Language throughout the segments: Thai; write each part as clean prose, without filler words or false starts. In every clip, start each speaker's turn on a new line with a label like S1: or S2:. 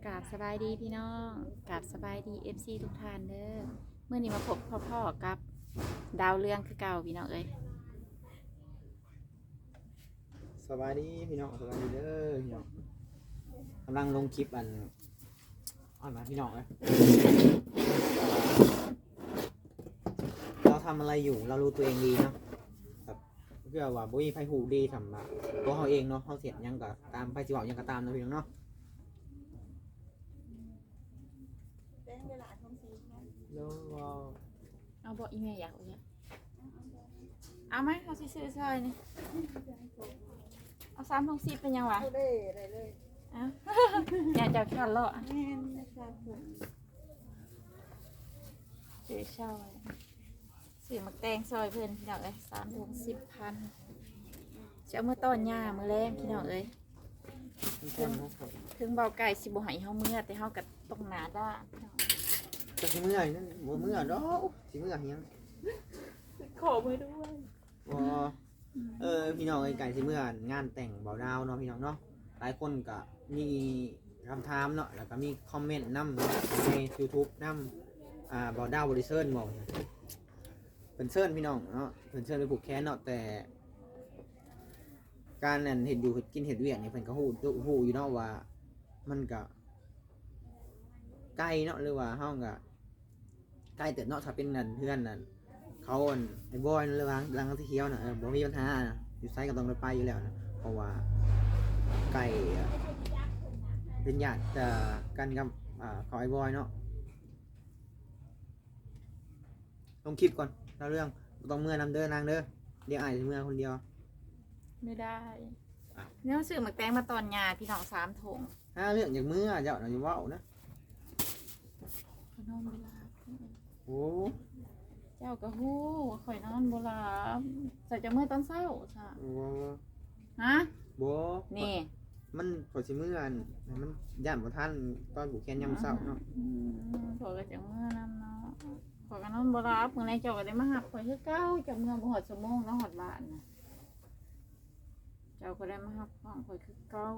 S1: กราบสบายดีพี่น้องกราบสบายดีFCทุกท่านเด้อเมื่อนี้มาพบพ่อกับดาวเรืองคือเก่าพี่น้องเอ้ย
S2: สบายดีพี่น้องสบายดีเด้อพี่น้องกำลังลงคลิปมาพี่น้องเลยเราทำอะไรอยู่เรารู้ตัวเองดีเนาะแบบเพื่อว่าบุ้ยไพ่หูดีทำตัวเขาเองเนาะเขาเสียยังกับตามไพ่จีบยังกับตามนะพี่น้องเนาะแล้ว
S1: เอาบอกอีเมลอยากเอาเนี่ยเอาไหมเขาซื้อซอยนี่เอา3 ถุง 10เป็นยังวะ
S3: ได้เลย
S1: เอา อยากจะขันเลาะ
S3: แม่นะครับผม
S1: ซื้อซอยซื้อมักแตงซอยเพื่อนพี่น้องเอ้ย3 ถุง 10 พันจะเอามื่อต้นหญ้ามือแรงพี่น้องเอ้ยถึงเบาไก่สิบ่ให้เฮาเมื่อแต่เฮาก็ต้องหนาด้านพี่น้อง
S2: จะสิเมื่อยนั่นบ่เมื่อดอกสิเมื่อยัง
S1: ขอมือด้วย
S2: บ่พี่น้องไก่สิเมื่องานแต่งเบาดาวเนาะพี่น้องเนาะหลายคนก็มีคำถามเนาะแล้วก็มีคอมเมนต์นำใน YouTube นำเบาดาวบริเซิร์นบอกเพิ่นเซิร์นพี่น้องเนาะเพิ่นเซิร์นไปผูกแขนเนาะแต่การนั่นเห็ดอยู่กินเห็ดเวียกนี่เพิ่นก็ฮู้อยู่เนาะว่ามันก็ใกล้เนาะหรือว่าเฮาก็ใกล้เติบเนาะถ้าเป็นนั่นเพื่อนนั่นเขาไอ้บอยหรือว่าหลังที่เขียวน่ะบ่มีปัญหานะอยู่ไสก็ต้องไปอยู่แล้วนะเพราะว่าใกล้เป็นญาติกันกับของไอ้บอยเนาะลงคลิปก่อนเราเรื่องต้องเมื่อนำเด้อนางเด้อเดี๋ยวอ้ายสิเมื่อคนเดียว
S1: ไม่ได้เนี่ยซื้อหมักแตงมาตอนหญ้าพี่น้อง3 ถุง
S2: เรื่องอย่างเมื่อเจ้าน่ะอย่าเว้านะ
S1: ข่อยนอนบ่หลับ
S2: โอ้
S1: เจ้าก็ฮู้ข่อยนอนบ่หลับใส่จะเมื่อตอนเช้าซะ
S2: โอ้
S1: ฮะ
S2: บ่
S1: นี่
S2: มันพอสิเมื่อมันย่านบ่ทันตอนผูกแขนยามเช้าเนาะ
S1: ข่อยก็จะเมื่อนำเนาะข่อยก็นอนบ่หลับมื้อไหนเจ้าก็ได้มาหับข่อยคือเก่าจะเมื่อบ่ฮอดชั่วโมงแล้วฮอดบ้านน่ะเจ้าก็ได้มาหับของข่อยคือเก่า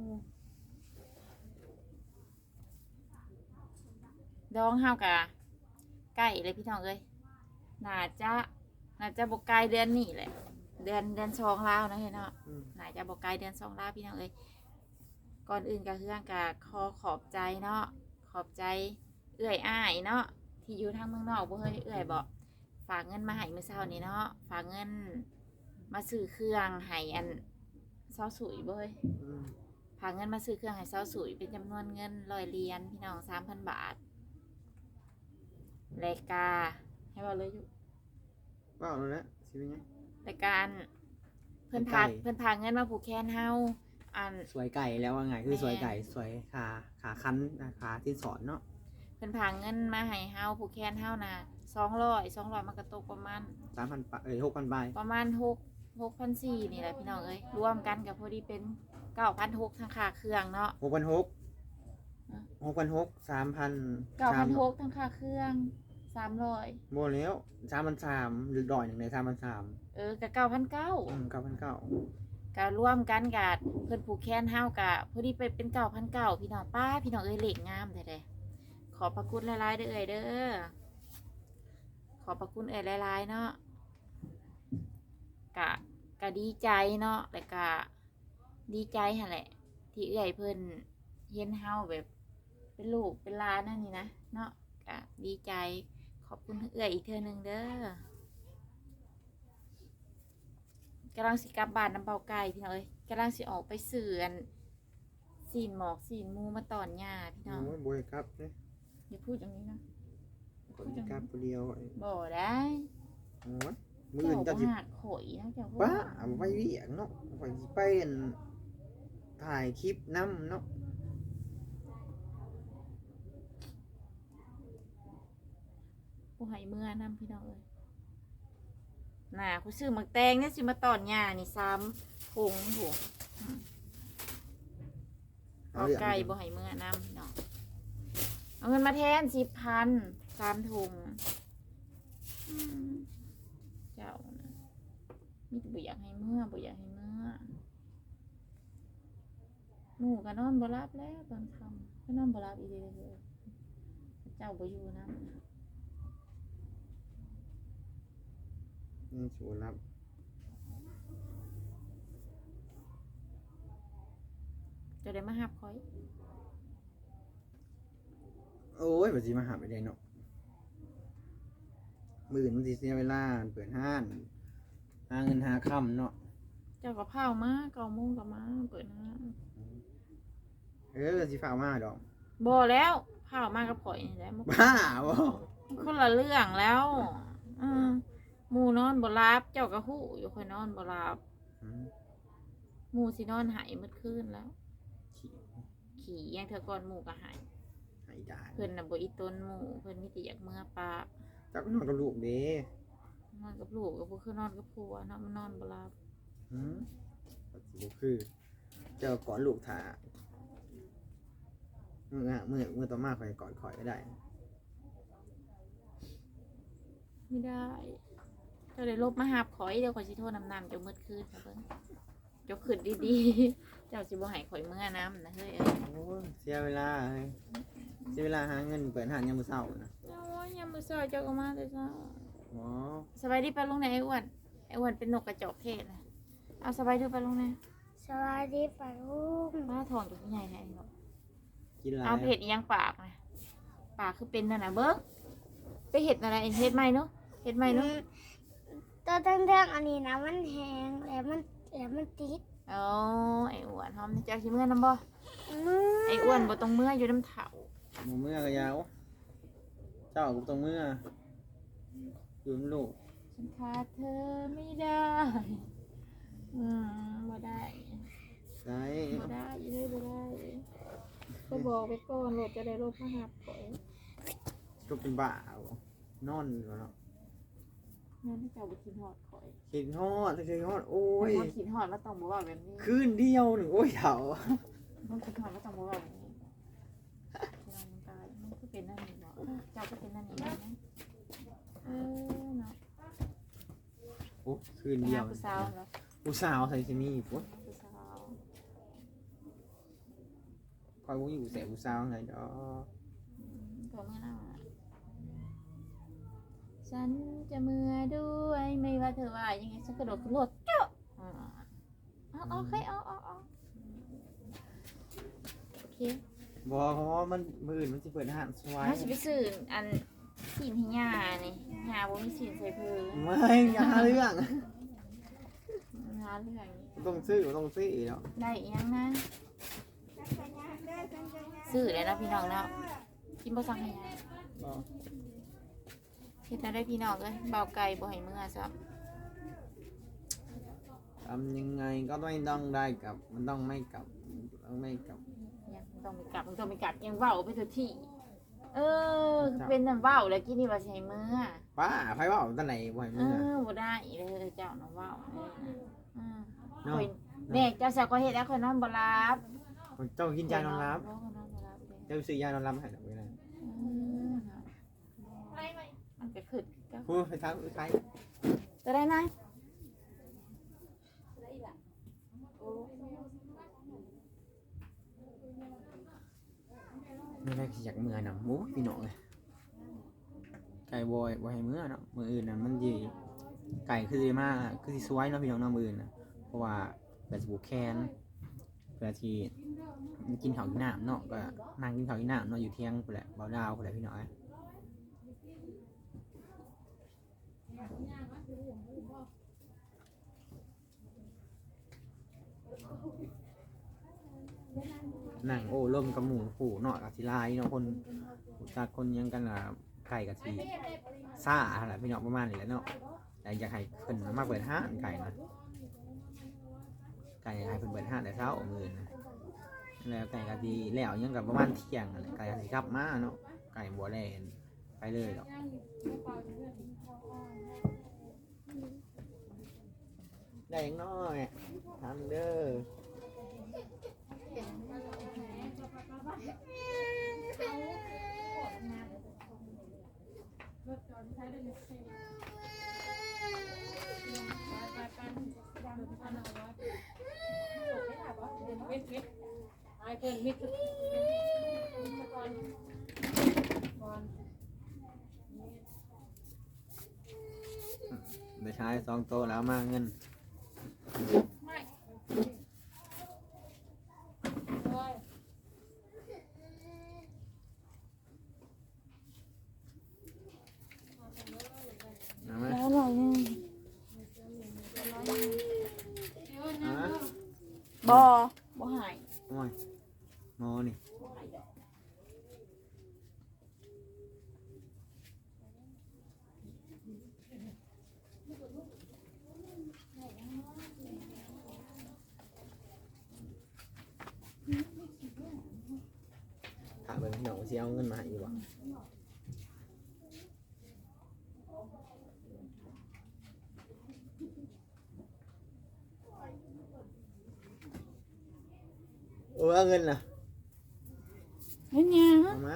S1: ดองเฮากะใกล้เลยพี่น้องเอ้ยน่าจะบ่ไกลเดือนนี้แหละเดือน2แล้วนะเฮ้ยเนาะน่าจะบ่ไกลเดือน2แล้วพี่น้องเอ้ยก่อนอื่นก็คือก็ขอบใจเนาะขอบใจเอื้อยอ้ายเนาะที่อยู่ทางเมืองนอกบ่เฮ้ยเอื้อยบอกฝากเงินมาให้มื้อเช้านี้เนาะฝากเงินมาซื้อเครื่องให้อันเซาสุยบ่เฮ้ยฝากเงินมาซื้อเครื่องให้เซาสุยเป็นจำนวนเงิน100 เหรียญพี่น้อง 3,000 บาทรายการให้ว่าเลยอยู่
S2: ว้าวแล้วสิเป็นไง
S1: รายการเพิ่นพาเงินมาผูกแขนเฮาอัน
S2: สวยไก่แล้วว่าไงคือสวยไก่สวยขาคันขาที่สอนเนาะ
S1: เพิ่นพาเงินมาให้เฮาผูกแขนเฮาน่ะ200มันก็ตกประมาณ
S2: 3,000 6,000 บาท
S1: ประมาณ6,400นี่แหละพี่น้องเอ้ยรวมกันก็พอดีเป็น 9,600 ทั้งค่าเครื่องเนาะ
S2: 6,600 3,000
S1: 9,600 ทั้งค่าเครื่อง300
S2: บ่แล้ว 3,300หรือดอยนึงได้ 3,300
S1: ก็9,900
S2: 9,900
S1: ก็รวมกันกะเพิ่นผูกแขนเฮากะพอดีไปเป็น9,900พี่น้องป้าพี่น้องเอ้ยเลขงามแท้ๆขอบพระคุณหลายๆเด้อเอ้ยเด้อขอบพระคุณเอ้ยหลายๆเนาะกะดีใจเนาะแต่กะดีใจหั่นแหละที่เอ้ยเพิ่นเห็นเฮาแบบเป็นลูกเป็นหลานนั่นนี่นะเนาะกะดีใจขอบคุณเอ้ยอีกเทื่อนึงเด้อกำลังสิกลับบ้านน้ำเบาไก่พี่น้องเอ้ยกำลังสิออกไปเสื่อนสีนหมอกสีนมูมาตอนหญ้าพี่น้อง
S2: โอ้ยบ่ให้กลับเด้
S1: อย่าพูดอย่างนี้นะ
S2: คนกลับผู้เดียว
S1: บ่ได้
S2: โอ้ยมื้ออื่นจะสิ
S1: หักข่อยนะเจ้า
S2: ป้าเอาไว้เวียงเนาะข่อยสิไปถ่ายคลิปนำเนาะ
S1: ผู้ให้เมื่อนำพี่น้องเอ้ยน่ะกูซื้อหมักแตงเนี่ยสิมาตอนหญ้านี่3 ถุงโหเอาไก่บ่ให้เมื่อนำพี่น้องเอาเงินมาแทน10,000 3 ถุงเจ้านะมีแต่บ่อยากให้เมื่อหมู่ก็นอนบ่หลับแล้วตอนค่ำก็นอนบ่รับอีเด้อเลยเจ้าบ่อยู่นำ
S2: ชูรับ
S1: จะได้มาหับคอย
S2: โอ้ยบัดสิมาหาไปได้เนาะมื้ออื่นมันสิเสียเวลาเปิดห้านหาเงินหาค่ำเนาะ
S1: เจ้าก็พาวมา9 โมงก็มาเปิดห้าง
S2: สิฝากมาดอก
S1: บ่แล้วพาวมากับข่อยนี่แหละมัน
S2: บ้าบ่
S1: คนละเรื่องแล้วหมู่นอนบ่รับเจ้าก็ฮู้อยู่ข่อยนอนบ่รับ
S2: อืม
S1: หมู่สินอนหายมื้อคืนแล้ว
S2: ขี้
S1: ขี่ยังเธอก่อนหมู่ก็หาย
S2: ให้ได้
S1: เพิ่นน่ะบ่อีต้นหมู่เพิ่นมีแต่อยากเมื่อปาก
S2: เจ้าก็นอนกับลูกเด้
S1: นอนกับลูกก็บ่คือนอนกับผัวเนาะมันนอนบ่รับ
S2: หืมบัดสิบ่คือ เจ้ากอดลูกถ่ามื้อต่อมาข่อยกอดข่อยก็ได้
S1: ไม่ได้เจ้าได้ลบมาหาบข่อยเดี๋ยวข่อยสิโทรน้ำเจ้ามืดคืนนะเบิ่งเจ้าขึ้นดีๆ เจ้าสิบ่ให้ข่อยเมื่อน้ำนะเฮ้ย
S2: โอ้ยเสียเวลาเฮ้ยเสียเวลาหาเงินเปิดห้างยามมื้อเช้านะ
S1: โอ้ยยามมื้อเช้าเจ้าก็มาแต่เช้า
S2: อ๋อ
S1: สบายดีปะลุงไหนไอ้อ้วนไอ้อ้วนเป็นนกกระจอกเทศนะเอาสบายดีปะลุงไหน
S3: สวัสดีป่าลูก
S1: ป้าทองอยู่ที่ไหนไหนเนาะ
S2: กินหลาย
S1: เอาไปเห็ดอีหยังปากนะปากคือเป็นนั่นน่ะเบิ้งไปเห็ดอะไรเห็ดใหม่เนาะเห็ดใหม่เนาะ
S3: ตัวทั้งๆอันนี้นะมันแห้งแล้วมันติด
S1: อ๋อไอ้อ้วนหอมเจ้าสิเมื่อน้ำบ่
S3: มือ
S1: ไอ้อ้วนบ่ต้องเมื่ออยู่น้ำเถา
S2: หมูเมื่อก็ยาว เจ้าก็ต้องเมื่ออยู่นำลูก
S1: ฉันขาดเธอไม่ได้บ่ได้
S2: ได้
S1: บ่ได้เลยบ่ได้ก็บอกไปก่อนโหลดจะได้ลบมาหับก่อน
S2: ก็เป็นบ้าบ่นอนอยู่เนาะ
S1: นั่นเจ้าบ่คิดฮอดข่อย
S2: คิดฮอดคิดฮอดโอ้ย
S1: คนคิดฮอดแล้วต้องบ่เว้าแบบนี้
S2: คืนเดียวหนึ่งโอ้ยเถา
S1: มันคิดฮอดแล้วต้องบ่เว้าแบบนี้เรามันตายมันก็เป็นนั่นนี่เนาะเจ้าก็เป็นนั่นนี่นะเนาะ
S2: โอ้คืน
S1: ไป
S2: เดีย
S1: หาว ผู้สาวเหรอ
S2: ผู้สาวใส่ซินี่ปุ๊บ
S1: ผู้สาว
S2: คอยวุ้งอยู่แสบผู้สาวไงดอก
S1: ตัวเมื่อน่ะฉันจะเมื่อด้วยไม่ว่าเธอว่ายังไงฉันกระโดดขึ้นรถเจ้าเอาโอเคเอาโอเค
S2: บอกเพราะว่ามันมืออื่นมันจะเปิดอาหารสวาย
S1: ถ้าสิไปซื้ออันสินให้ย่านี่ย่าบ่มีสินใส่เพิ่น
S2: ไม่อย่าหาเรื่อง
S1: หาเรื่องนี้
S2: ต้องซื้อเนาะ
S1: ได้อีหยังนะซื้อเลยนะพี่น้องเนาะกินบ่สั่งให้ย่าเฮ็ดได้พี่น้องเอ้ยเบาไก่บ่ให้เมื่อซะ
S2: ทำยังไงก็ไม่ต้องได้กลับ มันต้องไม่กลับต้องไม่กลับ
S1: ยังต้องไปกลับยังเว้าไปทุกที่เป็นน้ำเว้าแล้วกินนี่ว่าสิให้เมื่อ
S2: ป้าไฟว่าตั้งไหนบ่อยมือ
S1: บ่ได้เลยเจ้าน้ำเว้า
S2: เนาะ
S1: ข่อยแม่เจ้าสาวก็เฮ็ดแล้วข่อยนอนบ่หลับ
S2: เจ้ากินยานอนรับ
S1: นอนบ่หลับเด้
S2: เจ้าซื้อยานอนรับให้ดอกไว้เลย
S1: มันก็ขึ้นก็
S2: พูดไปทางใคร
S1: จะได้ไหม
S2: ไม่ได้อยากเมื่อนะมูพี่น้องเลยไก่บอยให้เมื่อเนาะมืออื่นน่ะมันดีไก่คือดีมากคือที่สวยเนาะพี่น้องเนาะมืออื่นนะเพราะว่าแบบสบู่แคนเพื่อที่กินข้าวกินน้ำเนาะก็นั่งกินข้าวกินน้ำเนาะอยู่เที่ยงแหละเบาดาวแหละพี่น้องนั่งโอ้ร่มกับหมูผูเนาะกับศิลายเนาะคนจากคนยังกันล่ะไก่กับทีซ่าอะไรพี่น้องประมาณนี้แหละเนาะแต่อยากให้เพิ่นมาเปิดห้างไก่นะไก่อยากให้เพิ่นเปิดห้างแต่เช้ามื้อนะแล้วไก่ก็ดีแล้วยังกับประมาณเที่ยงอะไรไก่ก็สิกลับมาเนาะไก่บัวแลนไปเลยดอกได้ยังน้อยทำเด้อ
S1: มิดไอ้เพิ่นมิด
S2: ายสองโตแล้วมาเงิน
S1: ไม่
S2: เอาไหม
S3: แล้วหน่อยนึง
S2: เอาไหม
S1: บ่หาย
S2: โอ้ยหมอนี่ถามเบิ่งพี่น้องสิเอาเงินมาให้อยู่บ่โอ้เอาเงินน่ะ
S1: เฮ้ยเนี่ย
S2: เอามา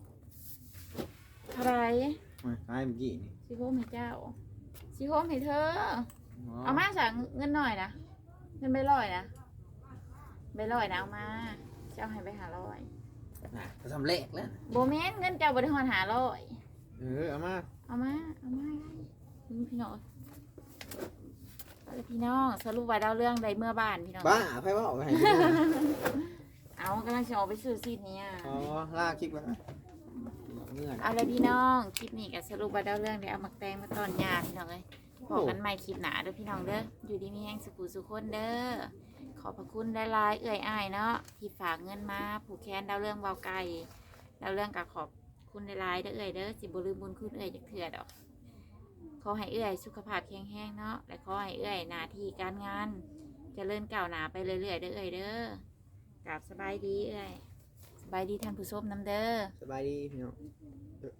S1: อะไร
S2: มาขายเมื่อกี้นี่
S1: สิโฮมให้เจ้าสิโฮมให้เธอ
S2: อ๋อ
S1: เอามาสั่งเงินหน่อยนะเงินใบลอยนะใบลอยนะเอามาเจ้าให้ไปหาร้อย
S2: น่ะก็ทำเลขแล้ว
S1: โบเมนเงินเจ้าบริหารหาร้อย
S2: เอามา
S1: เอามาพี่น้องเอาเลยพี่น้องสรุปว่าดาวเรื่องใดเมื่อบ้านพี่น้อง
S2: บ้าไพ่ว่าออกไปให้ดูนะ
S1: เอากำลังจะออกไปซื้อซีดเนี่ย
S2: อ๋อลากคลิปไว้เงื่อน
S1: เอาเลยพี่น้องคลิปนี้กับสรุปว่าดาวเรื่องเดี๋ยวเอาหมักแตงมาตอนยาพี่น้องเลยบอกกันใหม่คลิปหนาเด้อพี่น้องเด้ออยู่ดีมีแห้งสุขุสุขคนเด้อขอบพระคุณได้ลายๆเอื่อยอ้ายเนาะที่ฝากเงินมาผูกแขนดาวเรื่องเบาไก่ดาวเรื่องกับขอบคุณได้ลายๆเด้อเอื่อยเด้อสิบ่ลืมบุญคุณเอื่อยจากเถื่อดอกขอให้เอื่อยสุขภาพแข็งแรงเนาะและขอให้เอื่อยหน้าที่การงานเจริญก้าวหน้าไปเรื่อยๆเด้อเอื่อยเด้อกราบสบายดีเอื่อยสบายดีท่านผู้ชมน้ำเด้อ
S2: สบายดีพี่น้อง